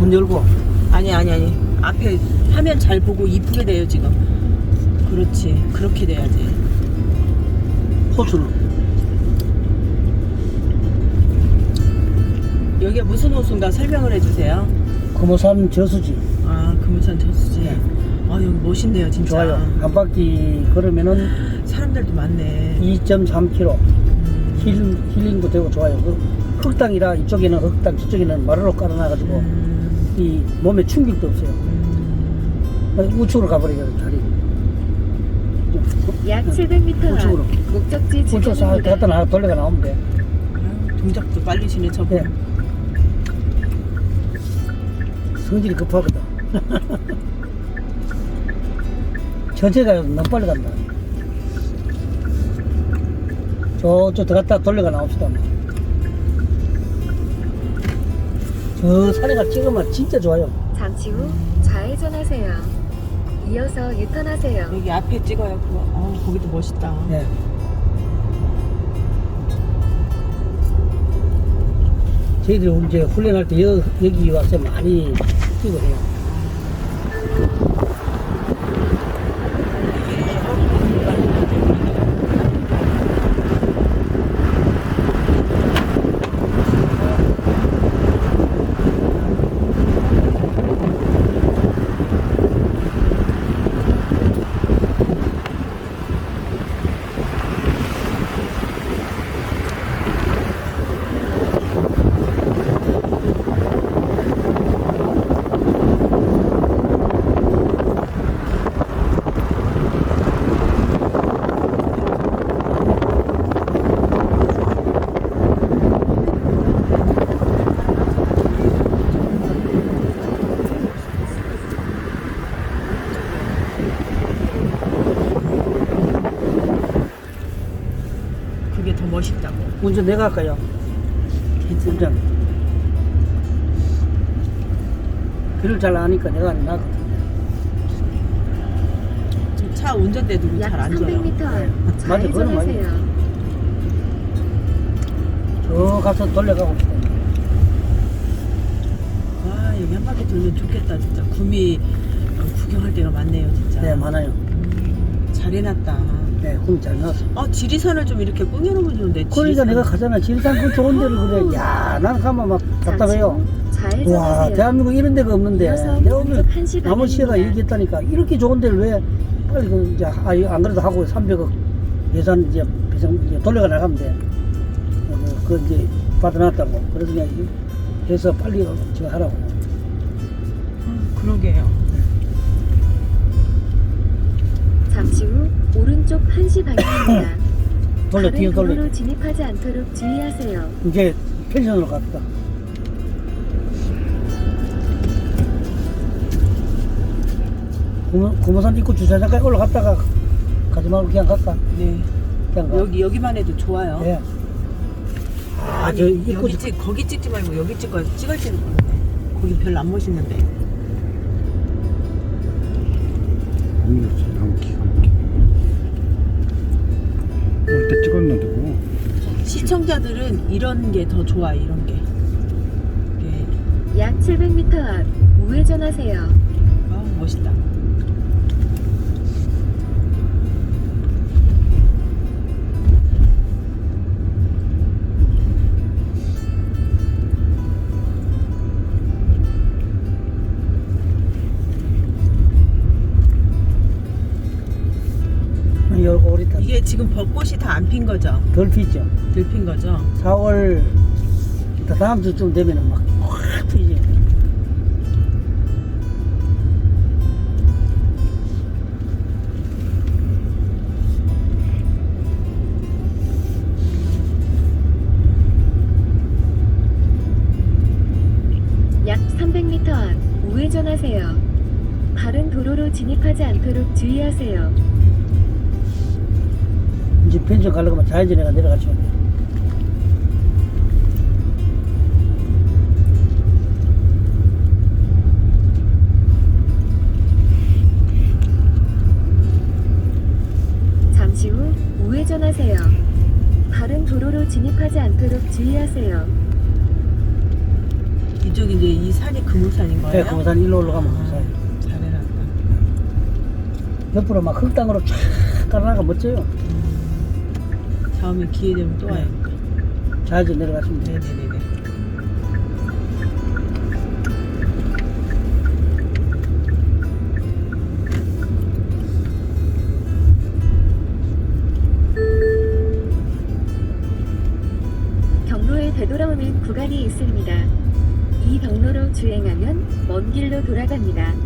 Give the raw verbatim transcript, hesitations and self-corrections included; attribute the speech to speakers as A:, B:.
A: 문 열고.
B: 아니 아니 아니 앞에 화면 잘 보고 이쁘게 돼요 지금. 그렇지 그렇게 돼야지.
A: 호수는
B: 여기가 무슨 호수인가 설명을 해주세요.
A: 금호산 저수지.
B: 아 금우산 저수지.
A: 네.
B: 아 여기 멋있네요 진짜.
A: 좋아요. 한 바퀴 걸으면은
B: 사람들도 많네.
A: 이 점 삼 킬로미터.
B: 음.
A: 힐, 힐링도 되고 좋아요. 그 흙땅이라 이쪽에는 흙땅, 저쪽에는 마루로 깔아놔가지고
B: 음.
A: 이 몸에 충격도 없어요.
B: 음.
A: 우측으로 가버리거든 자리.
C: 약 칠백 미터
A: 우측으로.
C: 앞 목적지
A: 우측 싹
C: 주변입니다.
A: 갖다 놔 돌려가 나오면 돼.
B: 아유, 동작도 빨리시네 저분.
A: 네. 성질이 급하거든. 천천히 가요. 너무 빨리 간다. 저쪽 들어갔다 돌려가 나옵시다. 뭐. 저 산에가 찍으면 진짜 좋아요.
C: 잠시 후 좌회전하세요. 이어서 유턴하세요.
B: 여기 앞에 찍어요 그거. 어 거기도 멋있다.
A: 네. 저희들이 이제 훈련할 때 여, 여기 와서 많이 뛰고 해요.
B: 그게 더 멋있다고.
A: 운전 내가 할까요? 운전. 길을 잘 아니까 내가 안 나가.
B: 저 차 운전대도
C: 약
B: 잘 안
C: 삼백
B: 줘요.
C: 미터 앞
A: 맞아, 그건 맞아.
C: 좌회전하세요.
A: 저 가서 돌려가고 싶어.
B: 와 여기 한 바퀴 돌면 좋겠다 진짜. 구미 구경할 데가 많네요 진짜.
A: 네, 많아요.
B: 음, 잘 해놨다.
A: 네, 꿈 잘 나왔어.
B: 아 지리산을 좀 이렇게 꾸며놓으면 좋은데.
A: 그러니까
B: 지리산.
A: 내가 가잖아. 지리산 그 좋은 데를 그래. 야, 난 가면 막 답답해요.
C: 잠시 후
A: 와,
C: 좌회전하세요.
A: 대한민국 이런 데가 없는데.
C: 이어서
A: 내가 오늘
C: 오른쪽 한 시
A: 남은 시가
C: 방향입니다.
A: 얘기했다니까. 이렇게 좋은 데를 왜 빨리 그 이제 아, 안 그래도 하고 삼백억 예산 이제 배상 이제 돌려가 나가면 돼. 어, 그 이제 받아놨다고. 그래서 그냥 해서 빨리 지금 하라고.
B: 음, 그러게요.
C: 잠시 후 오른쪽 한 시 방향입니다.
A: 돌려, 뒤로
C: 다른
A: 돌려.
C: 도로로 진입하지 않도록 주의하세요.
A: 이제 펜션으로 갔다. 구모- 구모산 입구 주차장까지 올라갔다가 가지 말고 그냥 갈까?
B: 네.
A: 그냥 가.
B: 여기 여기만 해도 좋아요.
A: 예. 아,
B: 아니,
A: 저 입구
B: 여기 찍 거기 찍지 말고 여기 찍어 찍을지는 모르네. 거기 별로 안 멋있는데.
D: 아무렇지 너무 기가 막혀. 올때 찍었는데 뭐.
B: 시청자들은 이런 게 더 좋아 이런 게. 이게
C: 약 칠백 미터 앞 우회전하세요.
B: 아 멋있다.
A: 요 오리탄
B: 이게 지금 벚꽃이 다 안 핀 거죠?
A: 덜 피죠.
B: 들 핀 거죠?
A: 사월 다음 주쯤 되면은 막 확 피지.
C: 약 삼백 미터 앞 우회전하세요. 다른 도로로 진입하지 않도록 주의하세요.
A: 이제 펜션 가려고 하면 좌회전해가 내려가시면 돼.
C: 잠시 후 우회전하세요. 다른 도로로 진입하지 않도록 주의하세요.
B: 이 이쪽 이제 이 산이 금호산인 거예요?
A: 네, 금호산 일로 올라가면
B: 아,
A: 금호산이에요.
B: 잘 해놨다.
A: 옆으로 막 흙땅으로 쫙 깔아나가 멋져요.
B: 음, 다음에 기회 되면 또
A: 네.
B: 와요.
A: 좌회전 내려가시면 돼요.
B: 네네네네.
C: 경로에 되돌아오는 구간이 있습니다. 이 경로로 주행하면 먼 길로 돌아갑니다.